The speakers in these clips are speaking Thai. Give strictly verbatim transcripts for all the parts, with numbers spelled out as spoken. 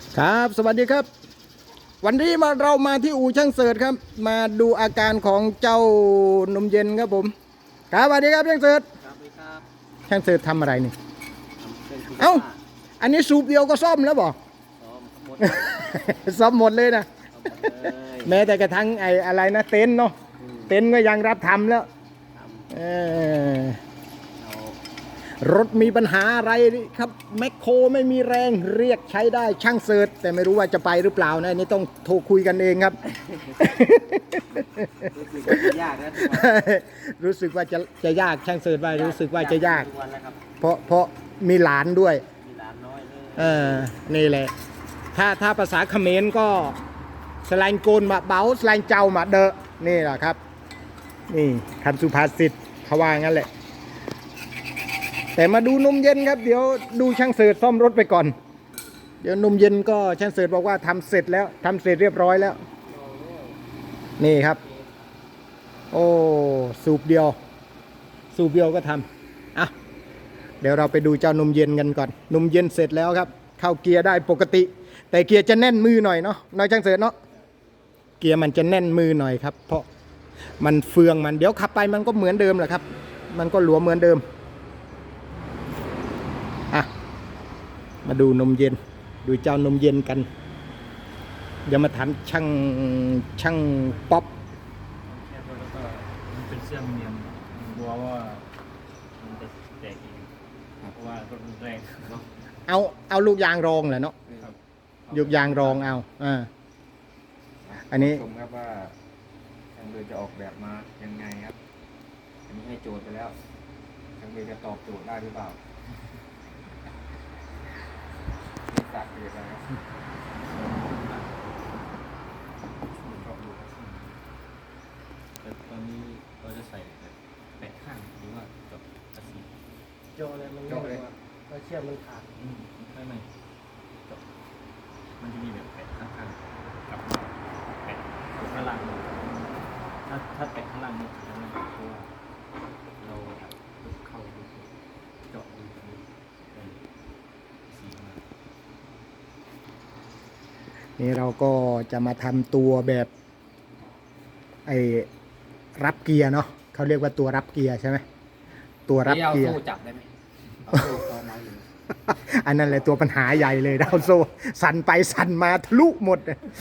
ครับสวัสดีครับวันนี้มาเรามาที่อู่ช่างเสิร์ชครับมาดูอาการของเจ้านมเย็นครับผมครับสวัสดีครับช่างเสิร์ชครับสวัสดีครับช่างเสิร์ชทำอะไรนี่ทำเครื่องซูเอ้าเปอร์อันนี้สูบเดียวก็ซ่อมแล้วบอกซ้อมหมดซ่อมหมดเลยนะซ้อมหมดเลยแม้แต่กระทั่งไอ้อะไรนะเต็นท์เนาะอืมเต็นท์ก็ยังรับทำแล้วทำเออเอารถมีปัญหาอะไรครับแมคโครไม่มีแรงเรียกใช้ได้ช่างเสิร์ชแต่ไม่รู้ว่าจะไปหรือเปล่านะอันนี่ต้องโทรคุยกันเองครับรู้สึกว่าจะยากนะทุกวันรู้สึกว่าจะจะยากช่างเสิร์ชว่ารู้สึกว่าจะยากทุกวันแล้วครับเพราะเพราะมีหลานด้วยมีหลานน้อยเลยเออนี่แหละถ้าถ้าภาษาเขมรก็สไลน์โกนมาเบาสไลน์เจ้ามาเดอะนี่แหละครับนี่คำสุภาษิตเขาว่างั้นแหละแต่มาดูนมเย็นครับเดี๋ยวดูช่างเสิร์ชซ่อมรถไปก่อนเดี๋ยวนมเย็นก็ช่างเสิร์ชบอกว่าทำเสร็จแล้วทำเสร็จเรียบร้อยแล้วนี่ครับโอ้สูบเดียวสูบเดียวก็ทำอ่ะเดี๋ยวเราไปดูเจ้านมเย็นกันก่อนนมเย็นเสร็จแล้วครับเข้าเกียร์ได้ปกติแต่เกียร์จะแน่นมือหน่อยเนาะน้อยช่างเสิร์ชเนาะเกียร์มันจะแน่นมือหน่อยครับเพราะมันเฟืองมันเดี๋ยวขับไปมันก็เหมือนเดิมแหละครับมันก็หลวมเหมือนเดิมอ่ะมาดูนมเย็นดูเจ้านมเย็นกันเดี๋ยวมาถามช่างช่างป๊อปแล้วก็มันเป็นเสื่อมเนียมกลัวว่ามันจะแตกเองเพราะว่ารถมันแรงเนาะเอาเอาลูกยางรองแหละเนาะครับลูกยางรองเอาอ่าอันนี้ชมครับว่าทางเรือจะออกแบบมายังไงครับ อันนี้ให้โจทย์ไปแล้วทางเรือจะตอบโจทย์ได้หรือเปล่าไม่ตัดเรือนะครับแต่ตอนนี้เราจะใส่แบบแปะข้างหรือว่าจบกระสีโจเลยมันไม่ก็เชื่อมมันขาดอืมไม่ไม่จบมันจะมีแบบแปะข้างๆกับแปะข้างล่างถ้าถ้าแปะข้างล่างเนี่ยจะไม่เพราะว่าเราเข้าดูเจาะดูตรงนี้เป็นสีมานี่เราก็จะมาทำตัวแบบไอ้รับเกียร์เนาะเขาเรียกว่าตัวรับเกียร์ใช่ไหมตัวรับเกียร์เอาสู้จับได้ไหมเอาสู้ตอนไหนอยู่อันนั้นแหละตัวปัญหาใหญ่เลยดาวโซสั่นไปสั่นมาทะลุหมด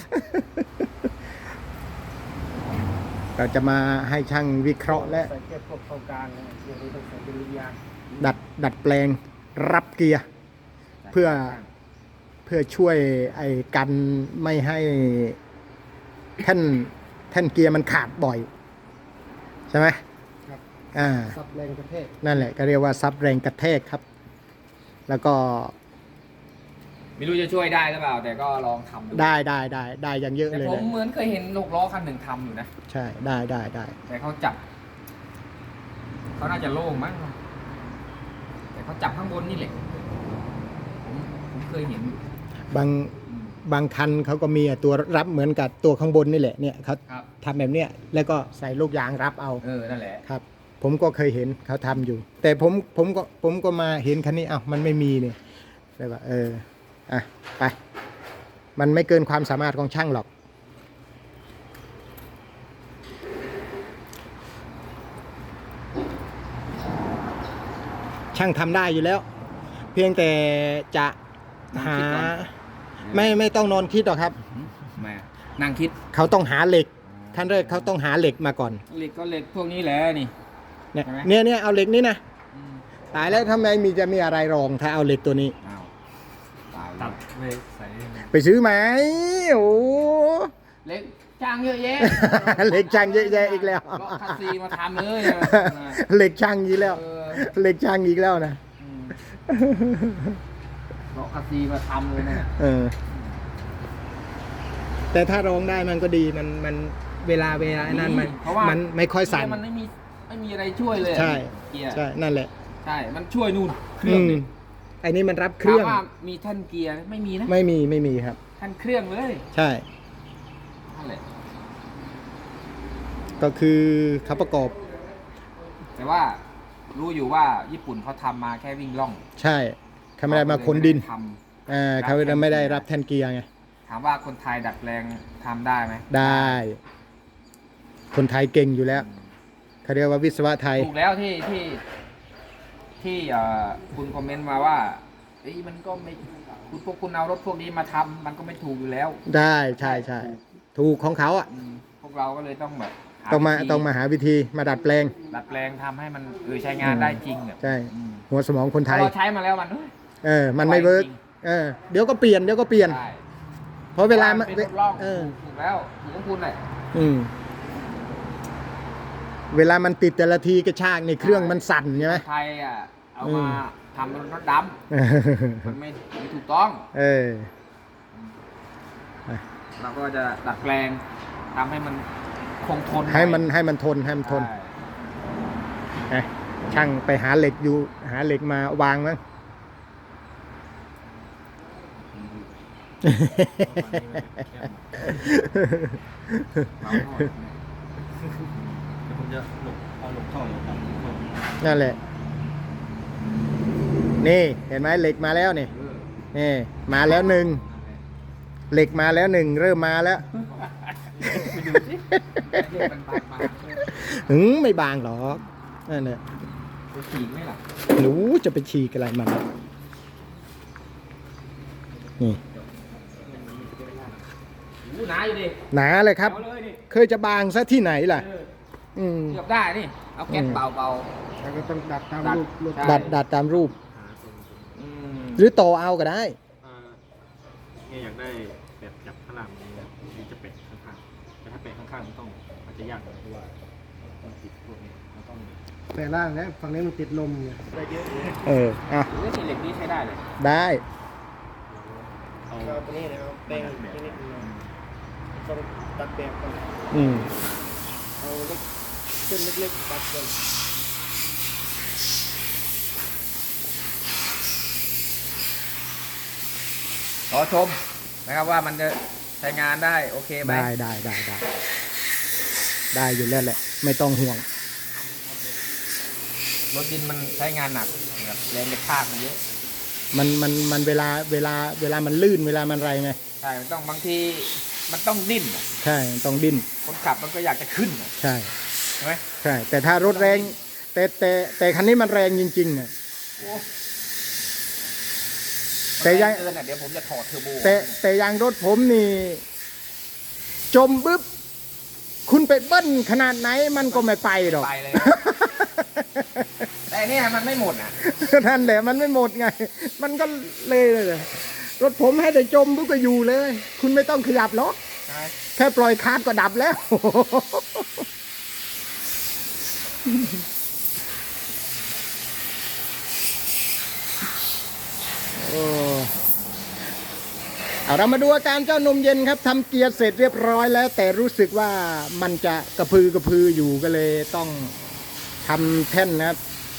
เราจะมาให้ช่างวิเคราะห์และใส่แค่พวกเข้ากลางนะเดี๋ยวนี้ต้องใส่เป็นลูกยางดัดดัดแปลงรับเกียร์เพื่อเพื่อช่วยไอ้กันไม่ให้แท่นแท่นเกียร์มันขาดบ่อยใช่ไหมครับอ่าซับแรงกระแทกนั่นแหละก็เรียกว่าซับแรงกระแทกครับ แล้วก็ไม่รู้จะช่วยได้หรือเปล่า แต่ก็ลองทำดูได้ได้ได้ได้อย่างเยอะแต่เลยผมนะเหมือนเคยเห็นลูกล้อคันหนึ่งทำอยู่นะใช่ได้ได้ได้แต่เขาจับเขาน่าจะโล่งมั้งแต่เขาจับข้างบนนี่แหละผมผมเคยเห็นอยู่บางอืมบางคันเขาก็มีตัวรับเหมือนกับตัวข้างบนนี่แหละเนี่ยเขาครับทำแบบเนี้ยแล้วก็ใส่ลูกยางรับเอาเออนั่นแหละครับ ผมก็เคยเห็นเขาทำอยู่ แต่ผมผมก็ผมก็มาเห็นคันนี้อ้าวมันไม่มีเนี่ยเลยว่าเอออ่ะไป มันไม่เกินความสามารถของช่างหรอกช่างทำได้อยู่แล้ว เพียงแต่จะหาไม่ไม่ต้องนอนคิดหรอกครับแม่นั่งคิดเขาต้องหาเหล็กขั้นแรกเขาต้องหาเหล็กมาก่อนเหล็กก็เหล็กพวกนี้แหละนี่เนี่ยใช่ไหมเนี่ยเนี่ยเอาเหล็กนี่นะอืมตายแล้วทำไมมีจะมีอะไรรองถ้าเอาเหล็กตัวนี้อ้าวตายตัแล้วดไปใส่ไปซื้อไหมโอ้เหล็กจ้างเยอะแยะเหล็กช่างเยอะแยะอีกแล้วก็คัสซีมาทำเลยเหล็กช่างอีกแล้วเออเหล็กช่างอีกแล้วนะอืมก็คัสซีมาทำเลยนะเออแต่ถ้ารองได้มันก็ดีมันมันเวลาเวลานั่นมันเพราะว่ามันไม่ค่อยสั่นเกีร์มันไม่มีไม่มีอะไรช่วยเลยใช่เกียร์ใช่นั่นแหละใช่ มันช่วยนู่นเครื่องอืมนี่ไอ้นี่มันรับเครื่องถามว่ามีแท่นเกียร์ไม่มีนะไม่มีไม่มีครับแท่นเครื่องเลยใช่นั่นแหละก็คือเขาประกอบแต่ว่ารู้อยู่ว่าญี่ปุ่นเขาทำมาแค่วิ่งล่องใช่เขาไม่ได้มาขนดินทำเออเขาจะไม่ได้รับแท่นเกียร์ไงถามว่าคนไทยดัดแปลงทำได้ไหมได้ คนไทยเก่งอยู่แล้วเขาเรียกว่าวิศวะไทยถูกแล้วที่ที่ที่เอ่อคุณคอมเมนต์มาว่าเอ้ยมันก็ไม่คุณพวกคุณเอารถพวกนี้มาทำมันก็ไม่ถูกอยู่แล้วได้ใช่ใช่ถูกของเขาอ่ะอืมพวกเราก็เลยต้องแบบหต้องมาวิธีต้องมาหาวิธีมาดัดแปลงดัดแปลงทำให้มันเออใช้งานได้จริงอ่ะใช่อืมหัวสมองคนไทถ้าย เราใช้มาแล้วมันเอ้ยเออ มันไม่เวิร์กเออ เดี๋ยวก็เปลี่ยน เดี๋ยวก็เปลี่ยนได้เพราะเวลามันเป็นรถล่องเออถูกแล้วถูกของคุณเลยอืม เวลามันติดแต่ละทีกระชากในเครื่องมันสั่นใช่ไหมไทยอ่ะเอาอืมาม ทำเป็นรถดำมันไม่ไม่ถูกต้องเออเราก็จะดัดแปลงทำให้มันคงทนให้มันให้มันทนให้มันทนใช่นะช่างไปหาเหล็กอยู่ หาเหล็กมาวางมั้งเราก็เดี๋ยวผมจะหลบเอาหลบเข้าอยู่ครับหลบเข้านั่นแหละ นี่เห็นไหมเหล็กมาแล้วนี่เออนี่มาแล้วหนึ่งเหล็กมาแล้วหนึ่งเริ่มมาแล้วไปดูสิเรียกมันบางมาหึงไม่บางหรอกนั่นแหละจะฉีกไหมล่ะหนูจะไปฉีกอะไรมันนี่อู้หนาอยู่ดิหนาเลยครับเอาเลยดิเคยจะบางซะที่ไหนล่ะเอออืมเกือบได้นี่เอาแก๊สอืมเบาเบาแล้วก็ต้องดัดตามดัดรูปรูปใช่ดัดดัดตามรูปหาตรงตรงๆอืมหรือต่อเอาก็ได้อ่าเนี่ยอยากได้แบบจับข้างล่างนี้นะนี่จะเป็ดข้างๆแต่ถ้าเป็ดข้างๆมันต้องมันจะยากหน่อยเพราะว่ามันติดพวกนี้มันต้องแต่ล่างนะฝั่งนี้มันติดลมเนี่ยได้เยอะเลยเอออ่ะหรือสีเหล็กนี้ใช้ได้เลยได้เอาเอาตัวนี้นะครับแป้งนิดนิดหน่อยต้องตัดแบบก่อนอืมเอาเล็กเส้นเล็กๆตัดก่อนรอชมนะครับว่ามันจะใช้งานได้โอเคไหมได้ได้ได้ได้ได้อยู่แล้วแหละ ไม่ต้องห่วงรถดินมันใช้งานหนักแบบแรงกระชากมันเยอะมันมันมันเวลาเวลาเวลามันลื่นเวลามันอะไรไงใช่มันต้องบางทีมันต้องดิ้นอะใช่ต้องดิ้นคนขับมันก็อยากจะขึ้นอะใช่ใช่ไหมใช่ แต่ถ้ารถแรงแต่แต่แต่คันนี้มันแรงจริงๆอ่ะ แต่ยังมันแรงเกินอะเดี๋ยวผมจะถอดเทอร์โบแต่แต่ยางรถผมนี่ จมปึ๊บคุณไปเบิ้ลขนาดไหนมันก็ไม่ไปหรอกไปเลย แต่อันเนี่ยมันไม่หมดอ่ะนั่นแหละมันไม่หมดไง มันก็เลยเลยรถผมให้แต่จมปุ๊บก็อยู่เลย คุณไม่ต้องขยับหรอกใช่ไหมแค่ปล่อยคาร์ดก็ดับแล้ว โอ้เอาเรามาดูอาการเจ้านมเย็นครับทำเกียร์เสร็จเรียบร้อยแล้ว แต่รู้สึกว่ามันจะกระพือกระพืออยู่ก็เลยต้องทำแท่นนะครับ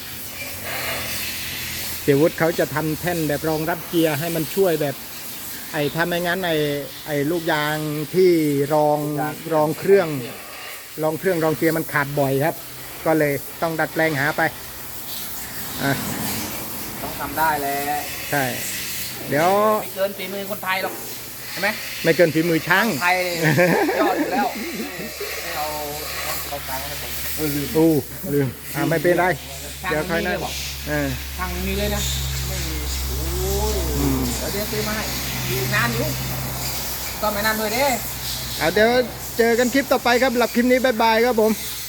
เสียวุฒิเขาจะทำแท่นแบบรองรับเกียร์ให้มันช่วยแบบ ไอ้ถ้าไม่งั้นไอ้ไอ้ลูกยางที่รองรองเครื่อง รองเครื่องรองเกียร์มันขาดบ่อยครับ ก็เลยต้องดัดแปลงหาไปอ่ะต้องทำได้แหละใช่ เดี๋ยวไม่เกินฝีมือคนไทยหรอกใช่ไหมไม่เกินฝีมือช่างไทยยอดอยู่แล้วให้เอาเอากลางให้ผมเออลืมอู้ลืมอ่าไม่เป็นไรช่างเดี๋ยวค่อยมีนั่เลนยบอกเออช่างมีเลยนะไม่มีโอ้ยอืมเดี๋ยวเดี๋ยวซื้อมาให้อยู่นานอยู่ก็ไม่นานเลยเด้เอาเดี๋ยวเจอกันคลิปต่อไปครับหลับคลิปนี้บายบายครับผม